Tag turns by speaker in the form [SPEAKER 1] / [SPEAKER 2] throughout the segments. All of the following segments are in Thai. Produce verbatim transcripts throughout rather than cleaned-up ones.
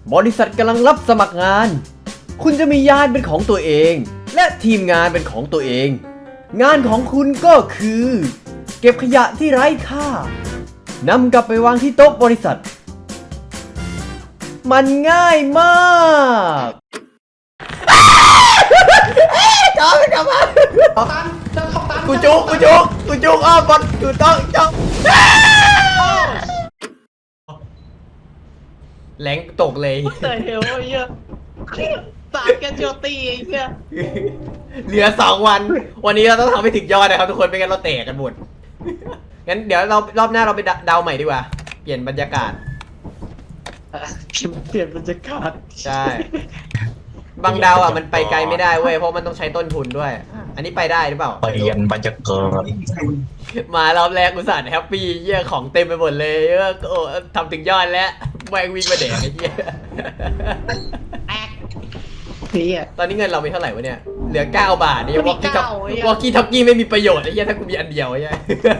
[SPEAKER 1] บริษัทกำลังรับสมัครงานคุณจะมียานเป็นของตัวเองและทีมงานเป็นของตัวเองงานของคุณก็คือเก็บขยะที่ไร้ค่านำกลับไปวางที่โต๊ะบริษัทมันง่ายมากจอมันกลับมา
[SPEAKER 2] ตันจะทำตัน
[SPEAKER 1] กูจุกกูจุกกูจุกอ้อมบอลกูต้องจ้องแหลงตกเลย
[SPEAKER 2] เตยเฮลไอ้เหี้ยสารแกนโจตีไอ้เหี้ย
[SPEAKER 1] เหลือสองวันวันนี้เราต้องทำให้ถึงยอดนะครับทุกคนไม่งั้นเราแตกกันหมดงั้นเดี๋ยวเรารอบหน้าเราไปเดาใหม่ดีกว่าเปลี่ยนบรรยากาศ
[SPEAKER 2] เปลี่ยนบรรยากาศ
[SPEAKER 1] ใช่บางดาวอ่ะมันไปไกลไม่ได้เว้ยเพราะมันต้องใช้ต้นทุนด้วยอันนี้ไปได้หรือเปล่า
[SPEAKER 3] เปลี่ยนบรรยากาศ
[SPEAKER 1] มารอบแรกอุตส่าห์แฮปปี้เยี่ยของเต็มไปหมดเลยเออโอ้ทำถึงยอดแล้วแม่งวิ่งมาแดกไอ้เหี้ย
[SPEAKER 2] แอกนี่อ่ะ
[SPEAKER 1] ตอนนี้เงินเรามีเท่าไหร่วะเนี่ยเหลือเก้าบาทนี่
[SPEAKER 2] มันมี
[SPEAKER 1] วอกกี้ท็อก
[SPEAKER 2] เก้าไอ้เหี้ย
[SPEAKER 1] วอกกี้ท็อกกี้ไม่มีประโยชน์ไอ้เหี้ยถ้ากูมีอันเดียวไอ้เหี้ย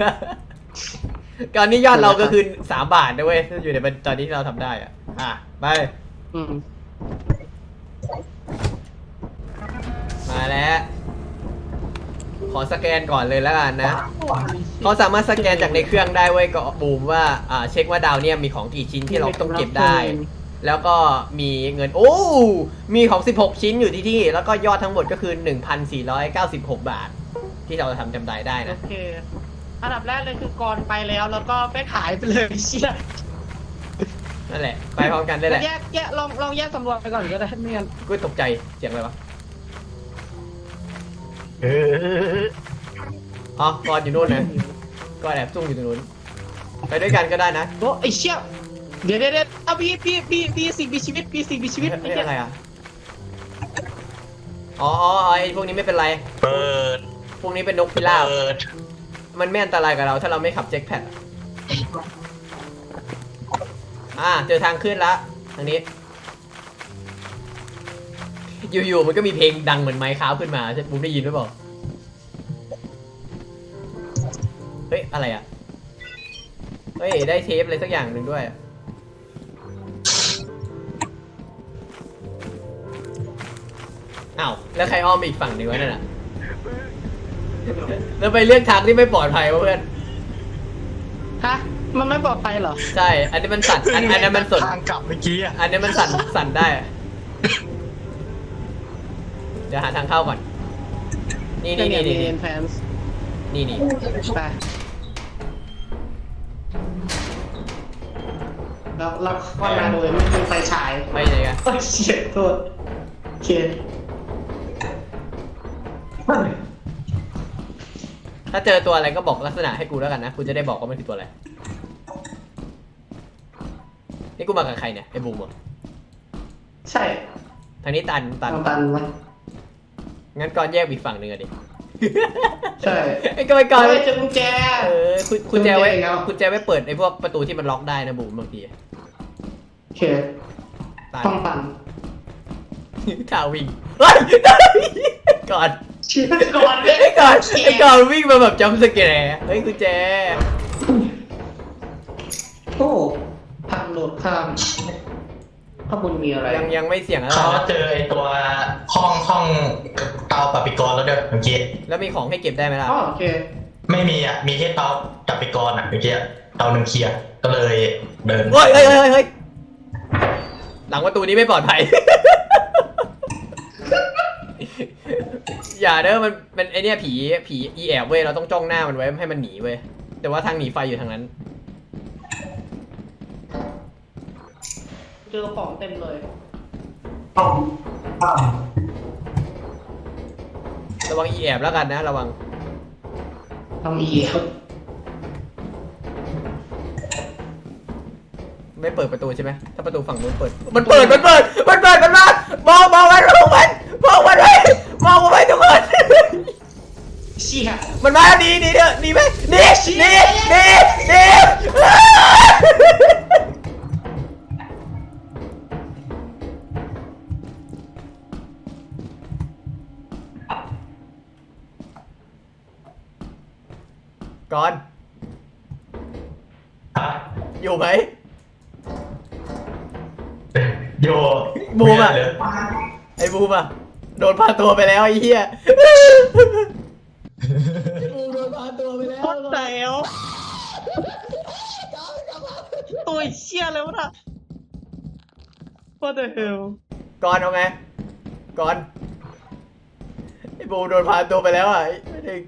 [SPEAKER 1] ตอนนี้ยอดเราก็คือสามบาทนะเว้ยอยู่ในตอนนี้ที่เราทำได้อ่ะอ่ะไป
[SPEAKER 2] อืม
[SPEAKER 1] มาแล้วขอสแกนก่อนเลยแล้วกันนะเขาสามารถสแกนจากในเครื่องได้เว้ยก็บูมว่าอ่าเช็คว่าดาวเนี่ยมีของกี่ชิ้นที่เราต้องเก็บได้ แล้วก็มีเงินโอ้มีของสิบหกชิ้นอยู่ที่ที่แล้วก็ยอดทั้งหมดก็คือ หนึ่งพันสี่ร้อยเก้าสิบหก บาท ที่เราทำจำได้ได้
[SPEAKER 2] โอ
[SPEAKER 1] นะ
[SPEAKER 2] เคอันดับแรกเลยคือกรไปแล้วแล้วก็ไปขายไปเลยเชี่ย
[SPEAKER 1] นั่นแหละไปพร้อมกันได้แหละ
[SPEAKER 2] แยกแยกลองลองแยกสำรวจไปก่อนก็ได้ไม่งั้น
[SPEAKER 1] กูตกใจเสียงอะไรวะ
[SPEAKER 3] เออ
[SPEAKER 1] อ๋อก่อนอยู่นู่นนะก่อนแอบซุ่มอยู่ตรงนู้นไปด้วยกันก็ได้นะ
[SPEAKER 2] โอ้ไอ้เชี่ยเดี๋ยวเดี๋ยวเดี๋ยวเอาพี่พี่พี่พี่สิ่งมีชีวิตพี่สิ่งมีชีวิต
[SPEAKER 1] เอ้
[SPEAKER 2] ไอ้
[SPEAKER 1] ย
[SPEAKER 2] เหี้ย
[SPEAKER 1] อะไรอ่ะอ๋ออ๋อไอ้พวกนี้ไม่เป็นไร
[SPEAKER 3] เปิด
[SPEAKER 1] พวกนี้เป็นนกพิราบ
[SPEAKER 3] เปิด
[SPEAKER 1] มันไม่อันตรายกับเราถ้าเราไม่ขับแจ็คแพดอ่าเจอทางขึ้นละทางนี้ อยู่ๆมันก็มีเพลงดังเหมือนไมค์ค้าวขึ้นมาใช่ปุ๊บได้ยินหรือเปล่าเฮ้ยอะไรอ่ะเฮ้ยได้เทปอะไรสักอย่างหนึ่งด้วยอ้าวแล้วใครอ้อมไปอีกฝั่งหนึ่งวะนั่นน่ะแล้วไปเลือกทางที่ไม่ปลอดภัยวะเพื่อน
[SPEAKER 2] ฮะมันไม่ปลอดภัยเหรอ
[SPEAKER 1] ใช่อันนี้มันสั่นอันอันนั้นมันสน
[SPEAKER 3] ทางกลับเมื่อกี้อะ
[SPEAKER 1] อันนี้มันสั่นสั่นได้อะเดี๋ยวหาทางเข้าก่อน นี่นี่นี่นี่
[SPEAKER 2] เรียนแฟนส์
[SPEAKER 1] นี่นี่
[SPEAKER 2] ไปแล้วเราเข้ามาโดยไม่มีไฟฉาย
[SPEAKER 1] ไปไหนกัน
[SPEAKER 2] โอ้ยเชี่ยโทษโอเค
[SPEAKER 1] ถ้าเจอตัวอะไรก็บอกลักษณะให้กูแล้วกันนะกูจะได้บอกว่ามันคือตัวอะไรนี่กูมากับใครเนี่ยไอ้บูมเหรอ
[SPEAKER 2] ใช่
[SPEAKER 1] ทางนี้ตันตัน
[SPEAKER 2] ตันมั้ย
[SPEAKER 1] งั้นก่อนแยกอีกฝั่งหนึ่งอะดิ
[SPEAKER 2] ใช่
[SPEAKER 1] ไอ้ก่อนก่อน
[SPEAKER 2] เฮ้ยเจอกุญแจ
[SPEAKER 1] เออคุณคุณแจไว้
[SPEAKER 2] กุญแจอีกแล้ว
[SPEAKER 1] คุณแจไว้เปิดไอ้พวกประตูที่มันล็อกได้นะบูมบางที
[SPEAKER 2] โอเค
[SPEAKER 1] ตัน
[SPEAKER 2] ต้องตัน
[SPEAKER 1] ทาวิ่งเฮ้ยก่อน
[SPEAKER 2] เชี่ยก่อนเลย
[SPEAKER 1] ไอ้ก่อนไอ้ก่อนวิ่งมาแบบจำสแกร์เฮ้ยกุญแจ
[SPEAKER 2] โอ้ทางโดดข้ามข้างบนมีอะไร
[SPEAKER 1] ยังยังไม่เสี่ยงอะไร
[SPEAKER 3] เขา
[SPEAKER 1] นะ
[SPEAKER 3] เจอไอ้ตัวห้องห้องเตาปฏิกรณ์แล้วด้วยเมื่อกี้
[SPEAKER 1] แล้วมีของให้เก็บได้ไหมล่ะ
[SPEAKER 2] อ๋อโอเค
[SPEAKER 3] ไม่มีอ่ะมีแค่เตาปฏิกรณ์อ่ะเมื่อกี้เตาหนึ่งเคลียร์ก็เลยเดิน
[SPEAKER 1] เฮ้ยเฮ้ยเฮ้ยเฮ้ยหลังประตูนี้ไม่ปลอดภัย อย่าเด้อมันเป็นไอเนี้ยผีผีอีแอบเว้ยเราต้องจ้องหน้ามันไว้ให้มันหนีเว้ยแต่ว่าทางหนีไฟอยู่ทางนั้น
[SPEAKER 2] เจอของเต็มเลย
[SPEAKER 1] ระวังอีแอบแล้วกันนะระวัง
[SPEAKER 2] ทำอีครับ
[SPEAKER 1] ไม่เปิดประตูใช่ไหมถ้าประตูฝั่งนู้นเปิดมันเปิดมันเปิดมันเปิดมันมามองมองมันมองมันมองมันไว้มองมันไว้ทุกคน
[SPEAKER 2] เชี่ย
[SPEAKER 1] มันมาหนีหนีเถอะหนีไหมหนีหนีหนีหนีก่อน
[SPEAKER 3] ฮะ
[SPEAKER 1] อยู่ไหม
[SPEAKER 3] โย
[SPEAKER 1] บูมอะ
[SPEAKER 3] เลย
[SPEAKER 1] ไอ้บูมอะโดนพาตัวไปแล้วไอ้เหี้ยบูมโดนพาตัวไปแล้ว
[SPEAKER 4] โคตรแตวตัวเชี่ยเลยวะน่ะ What the hell
[SPEAKER 1] ก่อนเอาไงก่อนไอ้บูมโดนพาตัวไปแล้วอ่ะไม่ได้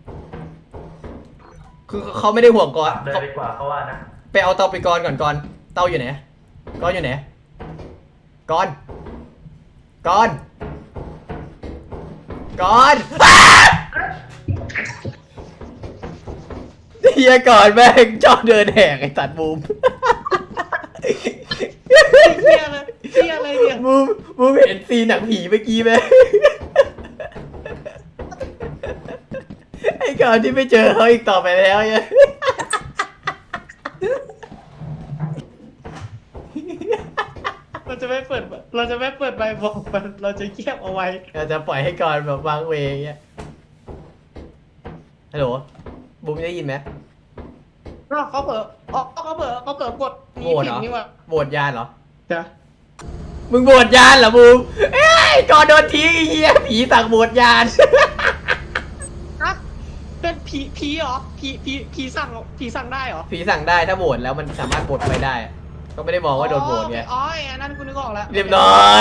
[SPEAKER 1] คือเขาไม่ได้ห่วงก่อน
[SPEAKER 3] เลย
[SPEAKER 1] เขา
[SPEAKER 3] ดีกว่าเขาว่านะ
[SPEAKER 1] ไปเอาเตาไปก่อนก่อนก่อนเตาอยู่ไหนก่อนอยู่ไหนก่อนก่อนก่อนเฮียก่อนแม่งชอบเดินแหกไอ้สัตว์บูม
[SPEAKER 4] เชี่ยเลยเชี่ยเลยเนี่ย
[SPEAKER 1] บูมบูมเห็นซีนหนังผีเมื่อกี้ไหม ไอ้ก่อนที่ไม่เจอเขาอีกต่อไปแล้วเนี่ย
[SPEAKER 4] เราจะไม่เปิด เราจะไม่เปิดใบบอกมันเราจะเงียบเอาไว้
[SPEAKER 1] เราจะปล่อยให้ก่อนแบบวางเวงเงี้ยฮัลโหลบูมได้ยินไหม
[SPEAKER 4] อ้าวเขาเปิดอ๋อเขาเปิดเขาเปิดกด
[SPEAKER 1] โหวตเหรอ
[SPEAKER 4] นี่ว่ะ
[SPEAKER 1] โหวตยานเหรอ
[SPEAKER 4] จ้ะ
[SPEAKER 1] มึงโหวตยานเหรอบูมเอ้ยก่อนโดนทิ้งไอ้เหี้ยผีสั่งโหวตยาน
[SPEAKER 4] อะเป็นผีผีเหรอผีผีผีสั่งผีสั่งได้เหรอ
[SPEAKER 1] ผีสั่งได้ถ้าโหวตแล้วมันสามารถโหวตไปได้ ก็ไม่ได้มองว่าโดนโหวตไง
[SPEAKER 4] อ๋อไอ้นั่นกูนึกออกแล้ว
[SPEAKER 1] เรียบร้อย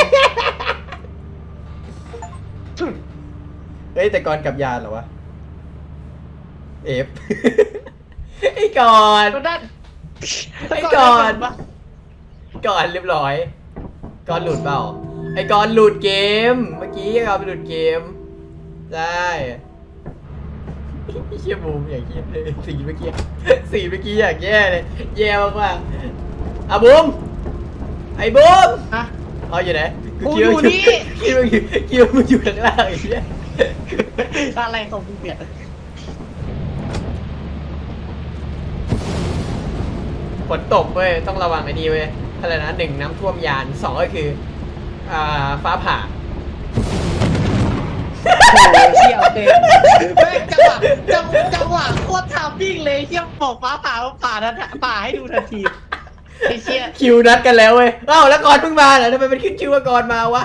[SPEAKER 1] เฮ้ยแต่ก่อนกับยานเหรอวะ เอฟ ไอ้ก่อน
[SPEAKER 4] ก็ได้
[SPEAKER 1] ไอ้ก่อน ก่อนเรียบร้อย ก่อนหลุดเปล่า ไอ้ก่อนหลุดเกม เมื่อกี้ก่อนไปหลุดเกม ได้เชี่ยบูมอย่างเงี้ยเลยสีเมื่อกี้สีเมื่อกี้อย่างแย่เลย แย่มากๆอ่ะบูม ไอ้บูม
[SPEAKER 4] ฮะ
[SPEAKER 1] เอาอยู่ไหน
[SPEAKER 4] กูอยู่นี่
[SPEAKER 1] คิดว่าอยู่คิดว่ามึงอยู่ข้างล่างไอ้เหี้ย
[SPEAKER 4] อะไรของมึงเนี่ย
[SPEAKER 1] ฝนตกเว้ยต้องระวังไอ้นี่เว้ยอะไรนะหนึ่งน้ำท่วมยานสองก็คืออ่าฟ้าผ่า
[SPEAKER 4] โอ้ยเชี่ยเต็มแม่งจังหวะจังจังหวะโคตรทามมิ่งเลยเชี่ยบอกฟ้าผ่าผ่าทันผ่าให้ดูทันทีไอ้เชี่ย
[SPEAKER 1] คิวนัดกันแล้วเว้ยอ้าวแล้วก่อนเพิ่งมาเหรอทำไมเป็นขึ้นชื่อว่าก่อนมาวะ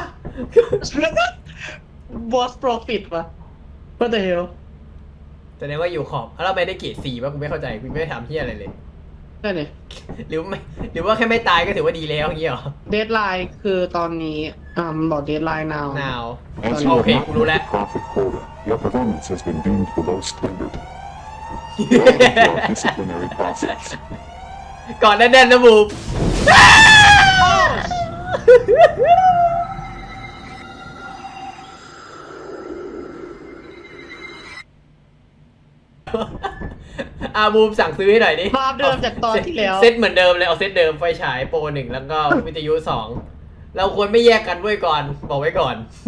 [SPEAKER 4] บอสโปรฟิตวะ What the hell
[SPEAKER 1] แสดงว่าอยู่ขอบแล้วเราไม่ได้เกรดสี่ป่ะกูไม่เข้าใจกูไม่ได้ทำเฮียอะไรเลย
[SPEAKER 4] นั่นนี่
[SPEAKER 1] หรือไม่หรือว่าแค่ไม่ตายก็ถือว่าดีแล้วอย่างเงี้ยเหรอ
[SPEAKER 4] เดทไลน์คือตอนนี้อ่ามันบอกเดทไลน์ now
[SPEAKER 1] นาว
[SPEAKER 5] As you
[SPEAKER 1] Okay,
[SPEAKER 5] have not
[SPEAKER 1] รู้
[SPEAKER 5] met
[SPEAKER 1] แล้ว
[SPEAKER 5] the profit quota, your performance has been deemed below standard. Welcome to our disciplinary process.
[SPEAKER 1] ก่อนแน่นๆนะบูม อาบูมสั่งซื้อให้หน่อยดิ
[SPEAKER 4] ภาพเดิมจากตอนที่แล้ว
[SPEAKER 1] เซตเหมือนเดิมเลยเอาเซตเดิมไฟฉายโปรหนึ่งแล้วก็วิทยุสองเราควรไม่แยกกันด้วยก่อนบอกไว้ก่อน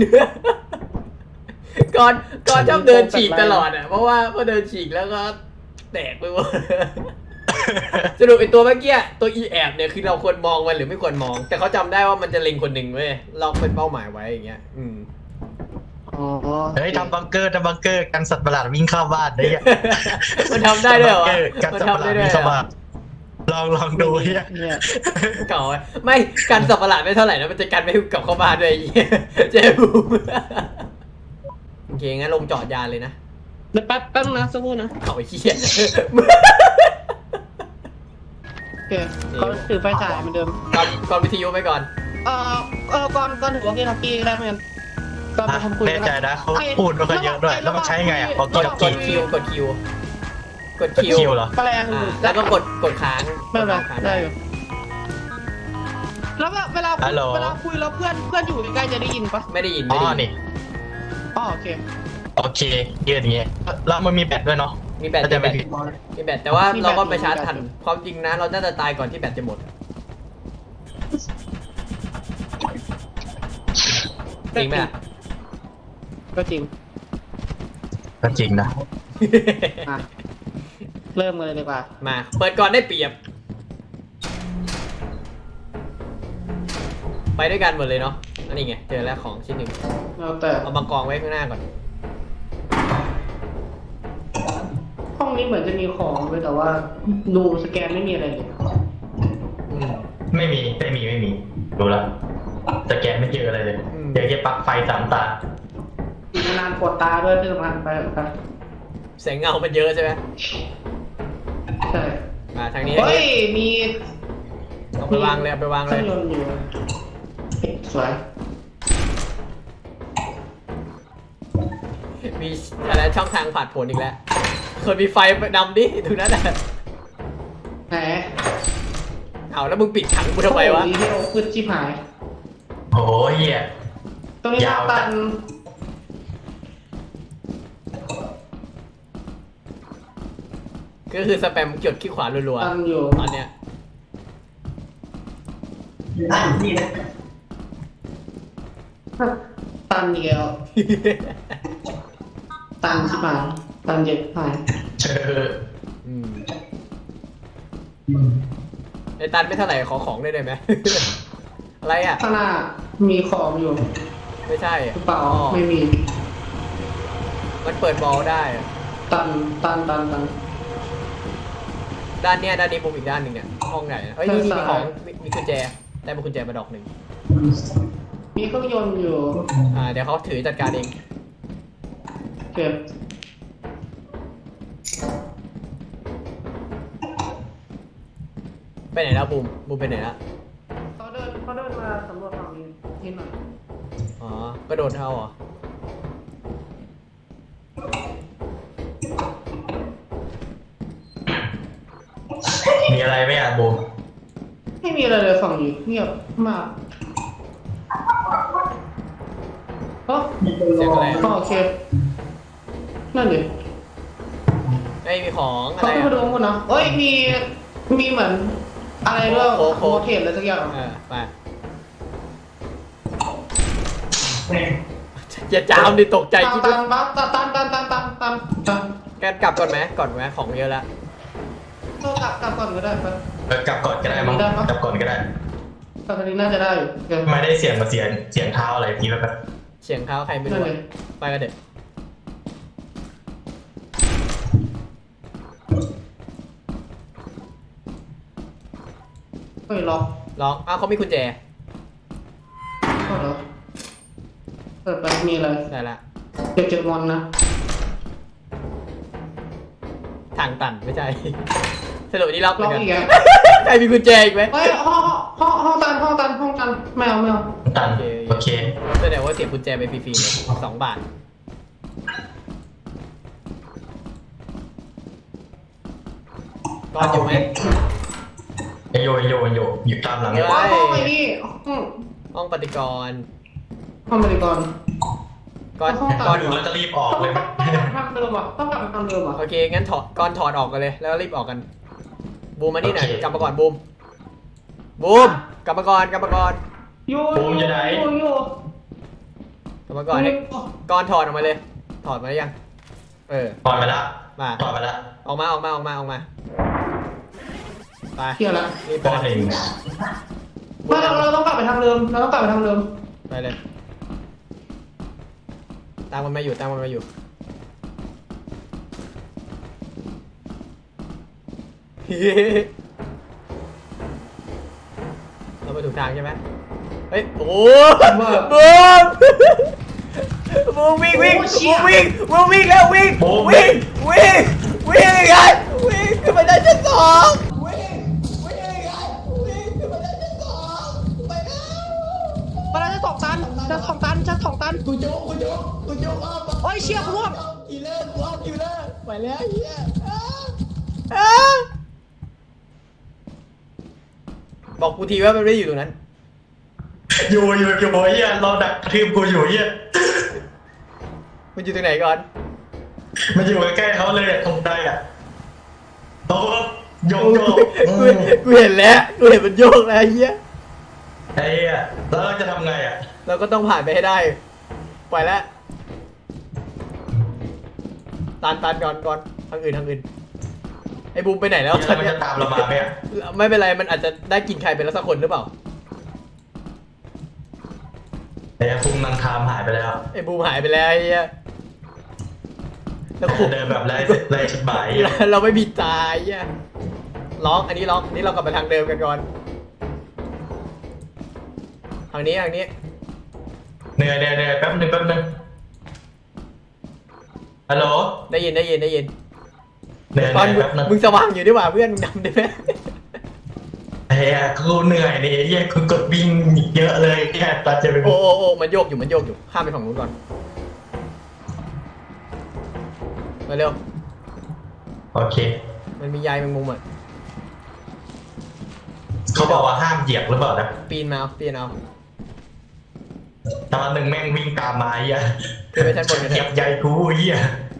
[SPEAKER 1] ก่อนก่อนชอบเดินฉีกตลอดอ่ะเพราะว่าพอเดินฉีกแล้วก็แตกไปหมด สรุปไอตัวเมื่อกี้ตัวอีแอบเนี่ยคือเราควรมองมันหรือไม่ควรมอง แต่เขาจำได้ว่ามันจะเล็งคนหนึ่งเว้ยเราเป็นเป้าหมายไว้อย่างเงี้ย อืม
[SPEAKER 4] อ๋อ
[SPEAKER 3] เฮ้ยทำบังเกอร์ทำบังเกอร์กันสัตว์ประหลาดวิ่งเข้าบ้านได้ยัง
[SPEAKER 1] มันทำได้ด้วยเหรอวะ
[SPEAKER 3] กัน
[SPEAKER 1] มัน
[SPEAKER 3] สัตว์ประ
[SPEAKER 1] ทำ
[SPEAKER 3] หลา
[SPEAKER 1] ได้
[SPEAKER 3] ด
[SPEAKER 1] ด้วย
[SPEAKER 3] วิ่ง
[SPEAKER 1] เหร
[SPEAKER 3] เข้า
[SPEAKER 1] อ
[SPEAKER 3] บ้านลองลองดูเฮีย
[SPEAKER 4] เนี่ย
[SPEAKER 1] เก่าไว้ไม่กันสับประหลาดไม่เท่าไหร่นะมันจะกันไม่ให้กลับเข้าบ้านด้วยไอ้เหี้ย เจ๊บูมโอเคงั้นลงจอดยานเลยนะ
[SPEAKER 4] เดี๋ยวแป๊บแป๊บนะสักครู่นะ
[SPEAKER 1] เอาไอ้เหี้ย
[SPEAKER 4] โอเคเขาถือไฟฉายเหมือนเดิม
[SPEAKER 1] ก่อนก่อนวิทยุไปก่อน
[SPEAKER 4] เอ่อเออก่อนก่อนถือว่ากี้ทักกี้ได้ไหมกันก่อนไปทำคุย
[SPEAKER 3] แน่ใจนะเขาพูดไม่ค่อยเยอะด้วย แล้วมันใช้ไงอ่ะพอก
[SPEAKER 1] ก
[SPEAKER 3] ด
[SPEAKER 1] ดกดคิวกดคิวกดคิว
[SPEAKER 3] คิวเหรอ
[SPEAKER 4] แปลง
[SPEAKER 1] อ่าแล้วก็กดกดค้าง
[SPEAKER 4] ไม่เป็นไร
[SPEAKER 1] กค้าง
[SPEAKER 4] ได้อยู่แล้วเวลา
[SPEAKER 3] ฮัลโหล
[SPEAKER 4] เวลาคุยแล้วเพื่อนเพื่อนอยู่ใกล้ๆจะได้ยินปะ
[SPEAKER 1] ไม่ได้ยิน
[SPEAKER 3] อ๋
[SPEAKER 1] ไม่
[SPEAKER 3] อ
[SPEAKER 1] ได้ยิ
[SPEAKER 3] นี่
[SPEAKER 4] อ๋อโอเค
[SPEAKER 3] โอเคยืดอย่างเงี้ยแล้วมันมีแบตด้วยเนาะ
[SPEAKER 1] มีแบต
[SPEAKER 3] ถ้าจะ
[SPEAKER 1] มีแบ
[SPEAKER 3] ไม่
[SPEAKER 1] ต
[SPEAKER 3] ผิด
[SPEAKER 1] มีแบตแต่ว่า
[SPEAKER 4] มีแบต
[SPEAKER 1] เราก็ไปชาร์จ
[SPEAKER 4] มีแบต
[SPEAKER 1] ทันความจริงนะเราน่าจะตายก่อนที่แบตจะหมด จริงไหมล่ะ
[SPEAKER 4] ก็จริง
[SPEAKER 3] ก็จริงนะ
[SPEAKER 4] อ่ะเริ่มกันเลยดีกว่า
[SPEAKER 1] มาเปิดก่อนได้เปรียบ ไปด้วยกันหมดเลยเนาะอันนี้ไงเจอแล้วของชิ้นหนึ่ง
[SPEAKER 4] เอาแต่
[SPEAKER 1] เอามากองไว้ข้างหน้าก่อน
[SPEAKER 4] ห้องนี้เหมือนจะมีของเลยแต่ว่าดูสแกนไม่มีอะไรเลย
[SPEAKER 1] อืม
[SPEAKER 3] ไม่มีไม่มีไม่มีดูดูละสแกนไม่เจออะไรเลยเจอแค่ปลั๊กไฟสามตา
[SPEAKER 2] นานปวดตาด้วยที่สำคัญไปไป
[SPEAKER 1] แสงเงามันเยอะใช่ไหม
[SPEAKER 2] ใช่
[SPEAKER 1] มาทางนี้
[SPEAKER 2] เฮ้ยมี
[SPEAKER 1] เอาไปวางเลยเอาไปวาง
[SPEAKER 2] เค
[SPEAKER 1] เล
[SPEAKER 2] รื่อย งยนต์อยู่สวย
[SPEAKER 1] มีอะไรช่องทางผ่านผลอีกแล้วคนมีไฟดำดิตรงนั้นน่ะ
[SPEAKER 2] ไหน
[SPEAKER 1] เอาแล้วมึงปิดถังกูทำไมวะ
[SPEAKER 2] ดีเทลพืชชิบหาย
[SPEAKER 3] โอ้ยเหี้ย
[SPEAKER 2] ตรงนี้
[SPEAKER 3] ยาวจั
[SPEAKER 2] ตั
[SPEAKER 3] ด
[SPEAKER 2] น
[SPEAKER 1] ก็คือสแปมกดขี้ขวารัว
[SPEAKER 2] ตันอยู่
[SPEAKER 1] ๆตอนเนี้ย
[SPEAKER 2] ตันเดียวตันชิบหายตันเจ็บหาย
[SPEAKER 3] เจอ
[SPEAKER 1] อืมไอ้ตันไม่เท่าไหร่ขอของได้เลยไหม อะไรอ่ะ
[SPEAKER 2] ข้างหน้ามีของอยู่
[SPEAKER 1] ไม่ใช่
[SPEAKER 2] หรือเปล่า
[SPEAKER 1] อ๋อ
[SPEAKER 2] ไม่มี
[SPEAKER 1] มันเปิดบอลได้อะ
[SPEAKER 2] ตันตันตันตัน
[SPEAKER 1] ด้านเนี้ยด้านนี้มุมอีกด้านหนึ่งเนี่ยห้องไหนอะเอ้ยนี่นี่มี
[SPEAKER 2] ด้าน
[SPEAKER 1] ข
[SPEAKER 2] ซ้า
[SPEAKER 1] อย งมีมีกุญแจได้มากุญแจมาดอกหนึ่ง
[SPEAKER 2] มีเครื่องยนต์อยู่
[SPEAKER 1] อ่าเดี๋ยวเขาถือจัดการเอง
[SPEAKER 2] เก็บ
[SPEAKER 1] ไปไหนแล้วบูมบูมไปไหนแล้ว
[SPEAKER 2] เขาเดินเขาเดินมาสำรวจฝั่งนี้นิดหน่อย
[SPEAKER 1] อ๋อก็โดนเท่าเหรอ
[SPEAKER 3] มีอะไรไหมอ่ะบูม
[SPEAKER 2] ไม่มีอะไรเลยฝั่งนี้เงียบมากเอ้อ
[SPEAKER 1] เสียงอะไร
[SPEAKER 2] อ๋อ
[SPEAKER 1] อะ
[SPEAKER 2] โอเคนั่นดิ
[SPEAKER 1] ไอ้ยมีของอะ
[SPEAKER 2] เขา
[SPEAKER 1] ไร
[SPEAKER 2] ขึ้นมาดู
[SPEAKER 1] อ่ะ
[SPEAKER 2] ข้างบนนะเอ้ยมีมีเหมือนอะไรด้วย
[SPEAKER 1] โค้กโค้
[SPEAKER 2] โม
[SPEAKER 1] ก
[SPEAKER 2] เทนอะไรสักอย่าง
[SPEAKER 1] เออไปอย่าจามดิตกใจ
[SPEAKER 2] ตัน
[SPEAKER 1] คิด
[SPEAKER 2] ตั
[SPEAKER 1] ว่าน
[SPEAKER 2] ปั๊บตันตันตันตันตันตันตัน
[SPEAKER 1] แกกลับก่อนไหมก่อนไหมของเยอะละ
[SPEAKER 2] เรากลับกลับก่อนก็ได้ปะ
[SPEAKER 3] เออกลับก่อนก็ได้มั้ง
[SPEAKER 2] ได้ปะ
[SPEAKER 3] กลับก่อนก็ได้
[SPEAKER 2] กลับทางนี้น่าจะได้อยู่โอเค
[SPEAKER 3] ไม่ได้เสียงมาเสียงเสียงเท้าอะไรพี่แล้วแบบ
[SPEAKER 1] เสียงเท้าใครไม่
[SPEAKER 2] นั่
[SPEAKER 1] รู้
[SPEAKER 2] นเล
[SPEAKER 1] อะ
[SPEAKER 2] ย
[SPEAKER 1] ไปกันเด็ด
[SPEAKER 2] เฮ้ยล็อก
[SPEAKER 1] ลองอ้าวเขามีกุญแจ
[SPEAKER 2] ก็เหรอเปิดไปมีอะไร
[SPEAKER 1] ได้ละ
[SPEAKER 2] เดี๋ยวเจอมอนนะ
[SPEAKER 1] ทางตันไม่ใช่ สรุปนี่ล็อกเหมื
[SPEAKER 2] ล็
[SPEAKER 1] อ
[SPEAKER 2] อก
[SPEAKER 1] นกัน
[SPEAKER 2] อีกแล้ว
[SPEAKER 1] ใครมีกุญแจอีกไหม
[SPEAKER 2] เฮ้ยห้องห้องห้องตันห้องตันห้องตันไม่เอาไม่เอา
[SPEAKER 3] ตันโอเค
[SPEAKER 1] แสดงว่าเสียกุญแจไปฟรีๆเลยสองบาทก่อนอยู่ไหม
[SPEAKER 3] ไอโยไอโยไอโยอยู่ตามหลังเนี่ย
[SPEAKER 1] เฮ้
[SPEAKER 2] ห้องห้องไอ้นี่ห้อง
[SPEAKER 1] ห้องปฏิกรณ์
[SPEAKER 2] ห้องบริกร
[SPEAKER 1] ก่อน
[SPEAKER 2] ห้องตั
[SPEAKER 1] ก่อน
[SPEAKER 3] อยู่แล้วจะรีบออก
[SPEAKER 2] ต้อง
[SPEAKER 3] เลย
[SPEAKER 2] ต้องกลับไปทำเดิมอ่ะต้องกลับไปทำเดิมอ่ะ
[SPEAKER 1] โอเคงั้นถอดก่อนถอดออกกันเลย แล้วรีบออกกัน บูมมานี่หน่อย
[SPEAKER 3] โอเค
[SPEAKER 1] กลับมาก่อนบูมบูมกลับมาก่อนกลับมาก่อน
[SPEAKER 2] อยู่
[SPEAKER 3] บูมอยู่ไหน
[SPEAKER 2] อยู่อยู่
[SPEAKER 1] กลับมาก่อนให้ก่อนถอดออกมาเลย ถอดมาหรือยังเออ
[SPEAKER 3] ถอดไปละ
[SPEAKER 1] มา
[SPEAKER 3] ถอดไปละ
[SPEAKER 1] ออกมาออกมาออกมาออกมาไป
[SPEAKER 2] เที่ยวแล้ว
[SPEAKER 1] รีบไป
[SPEAKER 3] บอลเอง
[SPEAKER 2] ไม่เราเราต้องกลับไปทางเดิมเราต้องกลับไปทางเดิม
[SPEAKER 1] ไปเลยตามมันมาอยู่ตามมันมาอยู่ เราไปถูกทางใช่ไหมเฮ้ย โอ้บูมบูมวิ่งวิ่งบูมวิ่งบูมวิ่งแล้ววิ่งวิ่งวิ่งวิ่งไงวิ่งขึ้นไปได้ชั้นสองวิ่งวิ่งไงวิ่งขึ้นไปได้ชั้นสองไปแล้ว
[SPEAKER 4] มาแล้วจะสองตันจะสองตันจะสองตัน
[SPEAKER 1] กูโยกกูโยกกูโยกอ้อม
[SPEAKER 4] โอ้ยเชี่ยกูร่วง
[SPEAKER 1] กิเลอร์กูอ้อมกิเลอร์ไปแล้วเฮียอ้าอ้าบอกกูทีว่ามันไม่ได้อยู่ตรงนั้น
[SPEAKER 3] อยู่อยู่อยู่โอ้ยเหี้ยเราดักกระทืบกูอยู่เหี้ย
[SPEAKER 1] มันอยู่ตรงไหนก่อน
[SPEAKER 3] มันอยู่ใกล้ๆเขาเลยอะตรงใดอ่ะโอ้โยกโยก
[SPEAKER 1] กูกูเห็นแล้วกูเห็นมันโยกแล้วไอ้เฮีย
[SPEAKER 3] ไอ้เหี้ยแล้วเราจะทำไงอ่ะ
[SPEAKER 1] เราก็ต้องผ่านไปให้ได้ไปแล้วตันตันก่อนก่อนทางอื่นทางอื่นไอ้บูมไปไหนแล้ว
[SPEAKER 3] แล้วมันจะตามเรามาไหมอ่ะ
[SPEAKER 1] ไม่เป็นไรมันอาจจะได้กินใครไปแล้วสักคนหรือเปล่า
[SPEAKER 3] ไอ้ฟุ้งนางคามหายไปแล้ว
[SPEAKER 1] ไอ้บูมหายไปแล้วไอ้เฮียแล้วขู่
[SPEAKER 3] เดินแบบไร้ไร้ชุดหมาย
[SPEAKER 1] เราไม่มีตายเฮียล็อกอันนี้ล็อกอันนี้เรากลับไปทางเดิมกันก่อนทางนี้ทางนี้
[SPEAKER 3] เหนื่อยเหนื่อยเหนื่อยแป๊บนึงแป๊บนึงฮัลโหล
[SPEAKER 1] ได้ยินได้ยินได้ยิน
[SPEAKER 3] เหนื่อยเห
[SPEAKER 1] ตอน
[SPEAKER 3] นื่อยแป๊บนึง
[SPEAKER 1] มึงสว่างอยู่ดีกว่าเพื่อนมึงดำได้ไหม
[SPEAKER 3] เฮ้ยกูเหนื่อยนี่เฮียกูกดวิ่งเยอะเลยแค่ตอนจะไป
[SPEAKER 1] โอ้โอ้โอ้มันโยกอยู่มันโยกอยู่ข้ามไปฝั่งนู้นก่อนมาเร็ว
[SPEAKER 3] โอเค
[SPEAKER 1] มันมีใยแมงมุมอ่ะ
[SPEAKER 3] เขาบอกว่าห้ามเหยียบหรือเปล่านะ
[SPEAKER 1] ปีนมาเอาปีนเอา
[SPEAKER 3] ตอนหนึ่งแม่งวิ่งตามมาเฮีย
[SPEAKER 1] ขึ้นไปชั้นบนกัน
[SPEAKER 3] เห
[SPEAKER 1] เถ
[SPEAKER 3] ยียบ
[SPEAKER 1] อะ
[SPEAKER 3] ใยกูเฮีย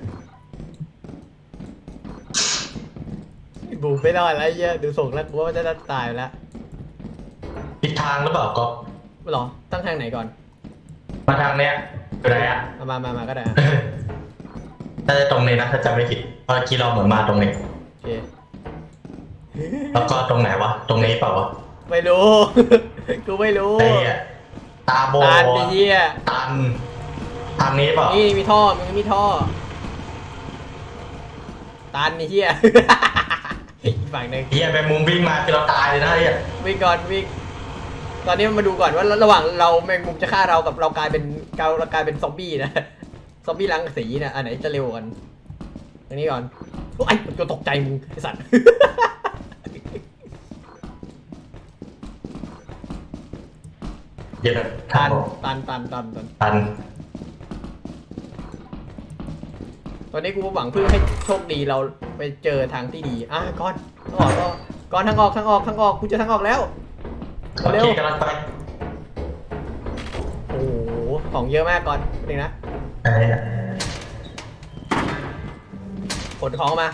[SPEAKER 1] บูมไม่รอดแล้วไอ้เหี้ยดูส่งแล้วกูว่ามันจะตายแล้ว
[SPEAKER 3] ผิดทางหรือเปล่าก๊อฟ
[SPEAKER 1] หรอตั้งทางไหนก่อน
[SPEAKER 3] มาทางเนี้ยอยู่ไหนอ่ะ
[SPEAKER 1] เอามามามาก็ได้อะ
[SPEAKER 3] น่าจะตรงนี้นะถ้าจำไม่ผิดเมื่อกี้เราเหมือนมาตรงนี้
[SPEAKER 1] โอเค
[SPEAKER 3] แล้วก็ตรงไหนวะตรงนี้เปล่าวะ
[SPEAKER 1] ไม่รู้ กูไม่รู้
[SPEAKER 3] ไอ้เหี้ยตาโบ
[SPEAKER 1] ตาลไอ้เหี้ย
[SPEAKER 3] ตันทางนี้เปล่า
[SPEAKER 1] นี่มีท่อมึงมีท่อตันไอ้เหี้ย อีกฝั่งหนึ่ง
[SPEAKER 3] เฮียแมงมุมวิ่งมาคือเราตายเลยนะเฮีย
[SPEAKER 1] วิ่งก่อนวิ่งตอนนี้มาดูก่อนว่าระหว่างเราแมงมุมจะฆ่าเรากับเรากลายเป็นเราเรากลายเป็นซอมบี้นะ ซอมบี้รังสีนะอันไหนจะเร็วกว่ากันอันนี้ก่อนโอ้ยตัวตกใจมึงไอ้สัตว์
[SPEAKER 3] เดี๋ยวนะ
[SPEAKER 1] ตันตันตันตันตัน
[SPEAKER 3] ตัน
[SPEAKER 1] ตอนนี้กูหวังพึ่งให้โชคดีเราไปเจอทางที่ดีอ่ะก่อนทางออกก็ก่อนทางออกทางออกทางออกกูเจอทางออกแล้ว
[SPEAKER 3] โอ
[SPEAKER 1] เร็
[SPEAKER 3] เคว กำลังไป
[SPEAKER 1] โอ้โหของเยอะมากก่อนหนึ่งนะ
[SPEAKER 3] ไอ้เหี้ย
[SPEAKER 1] ขนของออกมา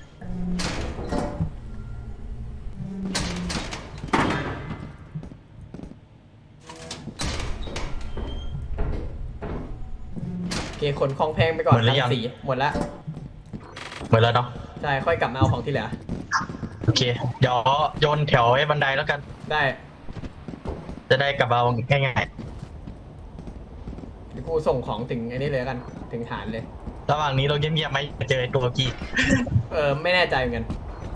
[SPEAKER 1] โอเคขนของแพงไปก่อนทั้งสีหมดละ
[SPEAKER 3] หมดแล้วเนาะ
[SPEAKER 1] ใช่ค่อยกลับมาเอาของที่เหลือ
[SPEAKER 3] โอเคเดี๋ยวโยนแถวไอ้บันไดแล้วกัน
[SPEAKER 1] ได้
[SPEAKER 3] จะได้กลับมาง่าย
[SPEAKER 1] เดี๋ยวกูส่งของถึงไอ้นี่เลยแล้วกันถึงฐานเลย
[SPEAKER 3] ๆระหว่างนี้เราเงียบๆไหมเจอไอ้ตัวกี้
[SPEAKER 1] เออไม่แน่ใจเหมือนกัน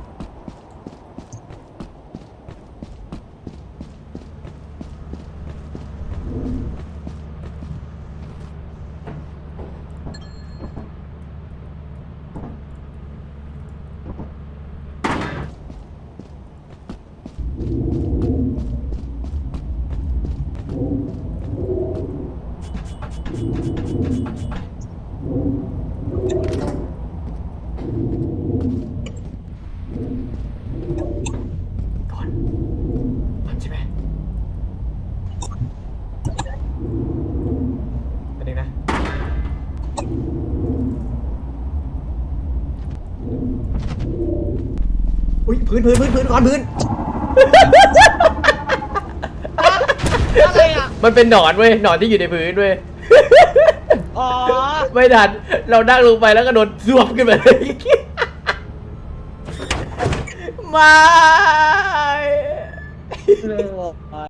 [SPEAKER 1] ก่อนมันใช่ไหมไปดึงนะอุ้ยพื้นพื้นพื้นพื้นก่อนพื้น
[SPEAKER 4] อะไรอ่ะ
[SPEAKER 1] มันเป็นหนอนเว้ยหนอนที่อยู่ในพื้นเว้ย
[SPEAKER 4] อ๋อ
[SPEAKER 1] ไม่ทันเรานั่งลงไปแล้วก็โดนซวบขึ้นมาเลย ไม่
[SPEAKER 4] เรื่อง